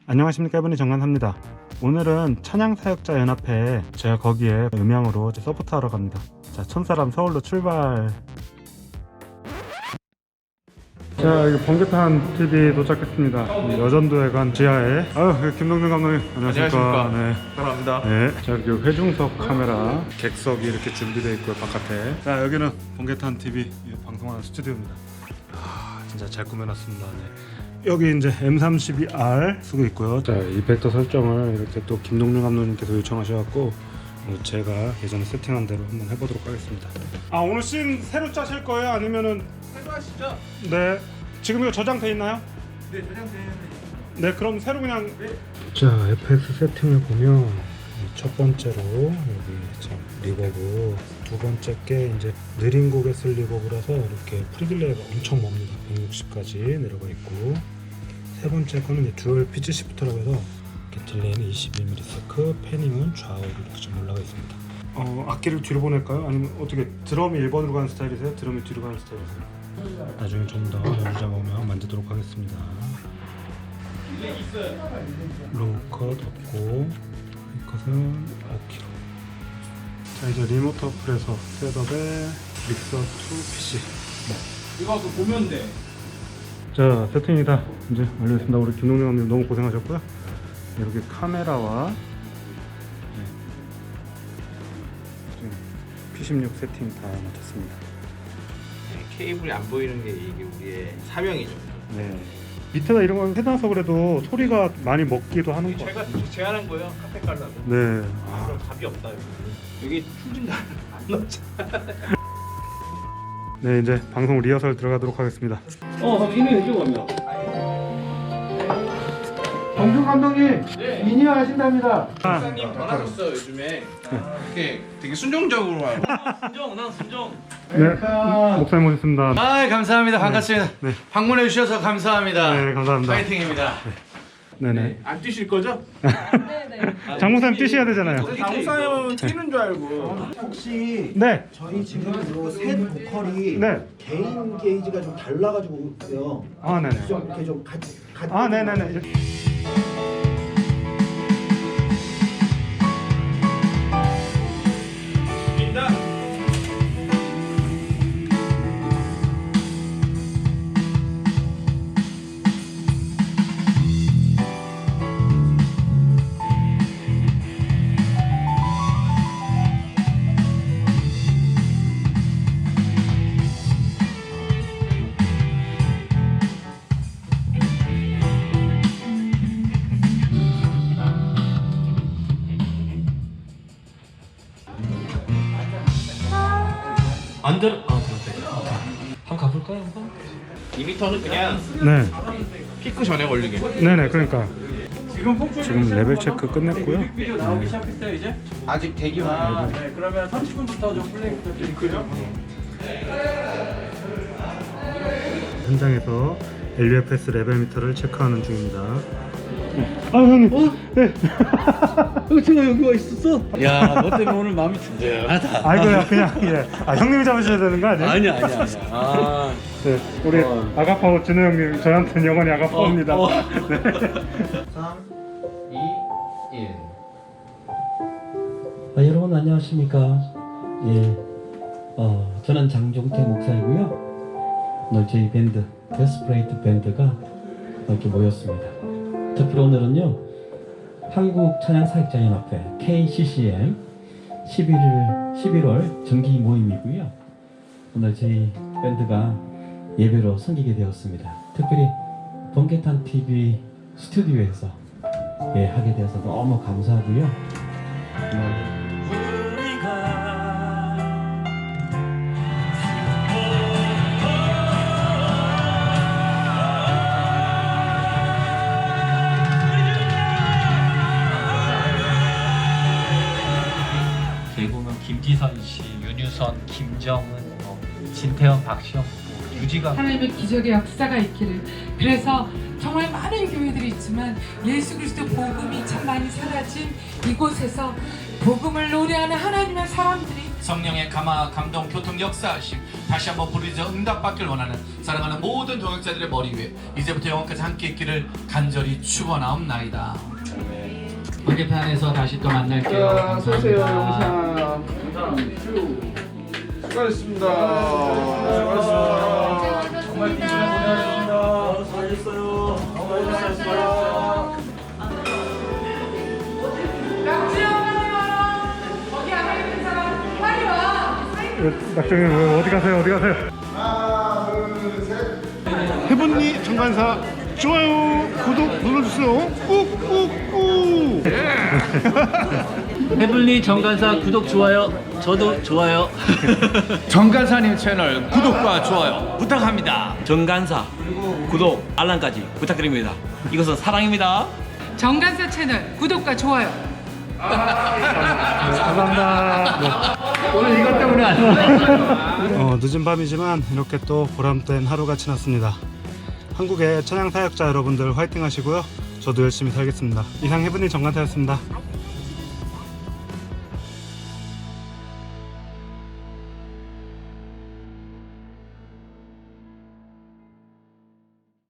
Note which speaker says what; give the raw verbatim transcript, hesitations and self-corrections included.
Speaker 1: 안녕하십니까, 이분이 정관사입니다. 오늘은 찬양사역자연합회, 제가 거기에 음향으로 이제 서포트하러 갑니다. 자, 천사람 서울로 출발. 자, 여기 번개탄 티비 도착했습니다. 여전도회관 지하에. 아유, 김동준 감독님 안녕하십니까. 네,
Speaker 2: 사랑합니다.
Speaker 1: 네. 자, 여기 회중석 카메라 객석이 이렇게 준비되어 있고요, 바깥에. 자, 여기는 번개탄 티비 방송하는 스튜디오입니다. 아, 진짜 잘 꾸며놨습니다. 네. 여기 이제 엠 삼십이 알 쓰고 있고요. 자, 이펙터 설정을 이렇게 또 김동률 감독님께서 요청하셔갖고 제가 예전에 세팅한 대로 한번 해보도록 하겠습니다. 아, 오늘 씬 새로 짜실 거예요? 아니면은
Speaker 2: 새로 하시죠?
Speaker 1: 네, 지금 이거 저장돼 있나요?
Speaker 2: 네, 저장되는.
Speaker 1: 네, 그럼 새로 그냥.
Speaker 2: 네.
Speaker 1: 자, 에프엑스 세팅을 보면 첫 번째로 여기 참 리버브, 두 번째 게 이제 느린 곡에 쓸 리버브라서 이렇게 프리딜레이가 엄청 멉니다. 백육십까지 내려가 있고, 세 번째 거는 이제 듀얼 피치 시프터라고 해서 이렇게 딜레이는 이십일 밀리세컨드, 패닝은 좌우로 이렇게 좀 올라가 있습니다. 어, 악기를 뒤로 보낼까요? 아니면 어떻게 드럼이 일 번으로 가는 스타일이세요? 드럼이 뒤로 가는 스타일이세요? 나중에 좀 더 여유 잡으면 만지도록 하겠습니다. 로우 컷 없고, 이 컷은 오 킬로그램. 자, 이제 리모트 어플에서 셋업에 믹서 투 피씨. 네.
Speaker 2: 이거 그 보면 돼.
Speaker 1: 자, 세팅이 다 이제 완료했습니다. 우리 김동영 감독님 너무 고생하셨고요. 이렇게 카메라와 네, 지금 피 십육 세팅 다 마쳤습니다.
Speaker 2: 네, 케이블이 안 보이는 게 이게 우리의 사명이죠.
Speaker 1: 네. 밑에다 이런 거 해놔서 그래도 소리가 많이 먹기도 하는 거 같아요.
Speaker 2: 제가 제안한 거예요. 카페 깔라고.
Speaker 1: 네.
Speaker 2: 아, 그럼 답이 없다 여기. 여기 충진가 안 넣었잖아.
Speaker 1: 네, 이제 방송 리허설 들어가도록 하겠습니다.
Speaker 3: 어, 그럼 이미 왼쪽 오면.
Speaker 4: 정준 감독님,
Speaker 2: 네.
Speaker 4: 미니어 하신답니다.
Speaker 2: 박사님 변하셨어요 요즘에. 이렇게 되게 순종적으로 하고.
Speaker 3: 순정, 난 순정.
Speaker 1: 네, 목사님 모셨습니다.
Speaker 3: 아, 감사합니다. 반갑습니다.
Speaker 1: 네.
Speaker 3: 방문해 주셔서 감사합니다.
Speaker 1: 네, 감사합니다.
Speaker 3: 파이팅입니다.
Speaker 1: 네네.
Speaker 2: 안 뛰실 거죠?
Speaker 1: 장 목사님 뛰셔야 되잖아요.
Speaker 2: 장사님은 뛰는 줄 알고.
Speaker 4: 혹시
Speaker 1: 네.
Speaker 4: 저희 지금 이셋 보컬이
Speaker 1: 네.
Speaker 4: 개인 게이지가 좀 달라가지고 있어요.
Speaker 1: 아, 네네.
Speaker 4: 좀 이렇게 좀 같이 같이.
Speaker 1: 아, 네네네. 이렇게.
Speaker 2: 뛴다.
Speaker 3: 안 들어. 아, 들었다. 한번 가볼까요, 한번?
Speaker 2: 이 미터는 그냥
Speaker 1: 네.
Speaker 2: 피크 전에 걸리게.
Speaker 1: 네네, 그러니까. 지금 레벨 체크 끝냈고요.
Speaker 3: 뮤직비디오 나오기 시작했어요, 이제?
Speaker 2: 아직 대기만.
Speaker 3: 아, 네. 그러면 삼십 분부터 좀 플레이 부탁드릴게요.
Speaker 1: 현장에서 엘유에프에스 레벨 미터를 체크하는 중입니다. 아, 형님. 어? 네.
Speaker 3: 어, 제가 여기 와 있었어? 야, 너 때문에 오늘 마음이 든든하다.
Speaker 1: 아이고야, 그냥, 예. 아, 형님이 잡으셔야 되는 거 아니에요?
Speaker 3: 아니야, 아니야, 아니야. 아,
Speaker 1: 네, 우리
Speaker 3: 어.
Speaker 1: 아가파워 진우 형님, 저한테는 영원히 아가파워입니다.
Speaker 3: 어, 어.
Speaker 1: 네.
Speaker 2: 삼, 이, 일.
Speaker 5: 아, 여러분 안녕하십니까? 예, 어, 저는 장종태 목사이고요. 오늘 저희 밴드 데스프레이트 밴드가 이렇게 모였습니다. 특별히 오늘은요, 한국 찬양사역자연합회 케이씨씨엠 십일월 정기 모임이고요. 오늘 저희 밴드가 예배로 섬기게 되었습니다. 특별히 번개탄 티비 스튜디오에서 예, 하게 되어서 너무 감사하고요. 네.
Speaker 6: 대구는 김지선 씨, 윤유선, 김정은, 뭐 진태현, 박시영, 뭐 유지가
Speaker 7: 하나님의 기적의 역사가 있기를. 그래서 정말 많은 교회들이 있지만 예수 그리스도 복음이 참 많이 사라진 이곳에서 복음을 노래하는 하나님의 사람들이
Speaker 8: 성령의 감화, 감동, 교통, 역사하심 다시 한번 부르짖어 응답받길 원하는 사랑하는 모든 동역자들의 머리 위에 이제부터 영원까지 함께 있기를 간절히 축원하옵나이다.
Speaker 6: 번개편에서 다시 또 만날게요. 감사합니다.
Speaker 2: 수고하셨습니다. 수고하셨습니다. 정말 빈천에 고생하셨습니다. 수고하셨어요. 수고하셨습니다.
Speaker 7: 낙지야 거기 안에 있는 사람 빨리 와.
Speaker 1: 낙정이 어디 가세요? 어디 가세요?
Speaker 2: 해본니 정관사 좋아요, 구독 눌러주세요. 꾹꾹꾹.
Speaker 3: 해블리 정관사 구독 좋아요. 저도 좋아요.
Speaker 8: 정간사님 채널 구독과 좋아요 부탁합니다.
Speaker 9: 정간사 구독 알람까지 부탁드립니다. 이것은 사랑입니다.
Speaker 7: 정관사 채널 구독과 좋아요.
Speaker 1: 감사합니다.
Speaker 3: 오늘 이것 때문에 안 와.
Speaker 1: 어, 늦은 밤이지만 이렇게 또 보람된 하루가 지났습니다. 한국의 천양 사역자 여러분들 화이팅 하시고요. 저도 열심히 살겠습니다. 이상 해븐이 정관사였습니다.